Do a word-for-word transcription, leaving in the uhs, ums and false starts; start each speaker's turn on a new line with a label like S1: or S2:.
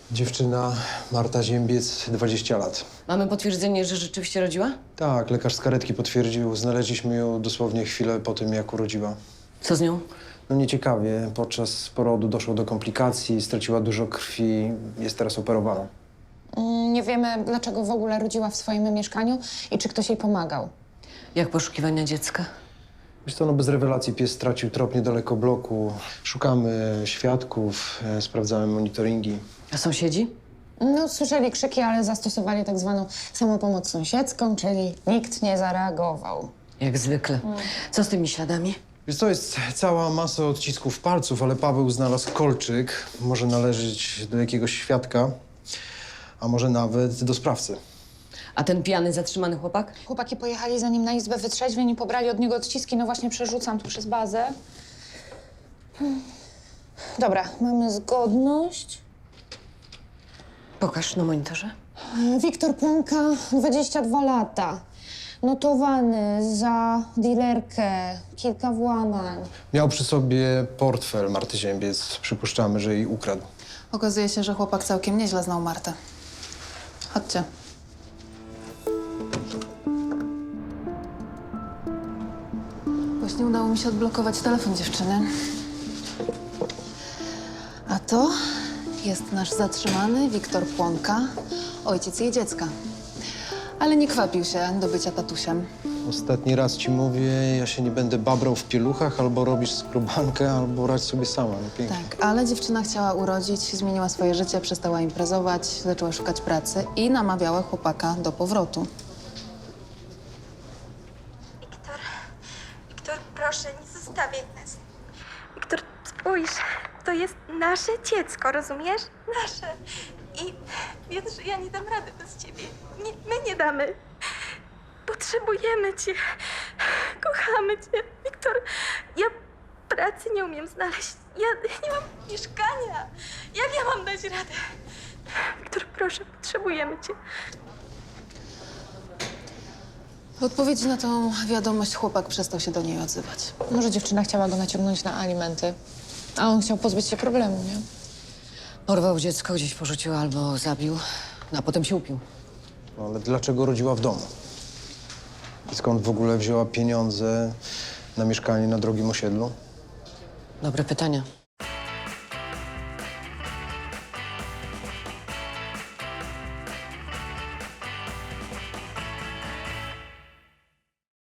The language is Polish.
S1: Dziewczyna Marta Ziębiec, dwadzieścia lat.
S2: Mamy potwierdzenie, że rzeczywiście rodziła?
S1: Tak, lekarz z karetki potwierdził. Znaleźliśmy ją dosłownie chwilę po tym, jak urodziła.
S2: Co z nią?
S1: No nieciekawie, podczas porodu doszło do komplikacji, straciła dużo krwi, jest teraz operowana.
S3: Mm, Nie wiemy, dlaczego w ogóle rodziła w swoim mieszkaniu i czy ktoś jej pomagał.
S2: Jak poszukiwania dziecka?
S1: Wiesz co, no bez rewelacji pies stracił trop niedaleko bloku. Szukamy świadków, e, sprawdzamy monitoringi.
S2: A sąsiedzi?
S3: No, słyszeli krzyki, ale zastosowali tak zwaną samopomoc sąsiedzką, czyli nikt nie zareagował.
S2: Jak zwykle. Co z tymi śladami?
S1: Wiesz co, jest cała masa odcisków palców, ale Paweł znalazł kolczyk. Może należeć do jakiegoś świadka, a może nawet do sprawcy.
S2: A ten pijany, zatrzymany chłopak?
S3: Chłopaki pojechali za nim na izbę wytrzeźwień i pobrali od niego odciski. No właśnie przerzucam tu przez bazę. Hmm. Dobra, mamy zgodność.
S2: Pokaż na monitorze.
S3: Wiktor Płonka, dwadzieścia dwa lata. Notowany za dilerkę, kilka włamań.
S1: Miał przy sobie portfel Marty Ziębiec. Przypuszczamy, że jej ukradł.
S4: Okazuje się, że chłopak całkiem nieźle znał Martę. Chodźcie. Właśnie udało mi się odblokować telefon dziewczyny. A to jest nasz zatrzymany Wiktor Płonka, ojciec jej dziecka. Ale nie kwapił się do bycia tatusiem.
S1: Ostatni raz ci mówię, ja się nie będę babrał w pieluchach, albo robisz skrobankę, albo radź sobie sama. No pięknie.
S4: Tak, ale dziewczyna chciała urodzić, zmieniła swoje życie, przestała imprezować, zaczęła szukać pracy i namawiała chłopaka do powrotu.
S5: Wiktor, Wiktor, proszę, nie zostawiaj nas. Wiktor, spójrz, to jest nasze dziecko, rozumiesz? Nasze. I wiesz, że ja nie dam rady bez ciebie. Nie, my nie damy. Potrzebujemy cię. Kochamy cię. Wiktor, ja pracy nie umiem znaleźć. Ja nie mam mieszkania. Jak ja mam dać radę? Wiktor, proszę, potrzebujemy cię.
S4: W odpowiedzi na tą wiadomość chłopak przestał się do niej odzywać.
S3: Może dziewczyna chciała go naciągnąć na alimenty, a on chciał pozbyć się problemu, nie?
S2: Porwał dziecko, gdzieś porzucił albo zabił, no, a potem się upił.
S1: No, ale dlaczego rodziła w domu? I skąd w ogóle wzięła pieniądze na mieszkanie na drogim osiedlu?
S2: Dobre pytania.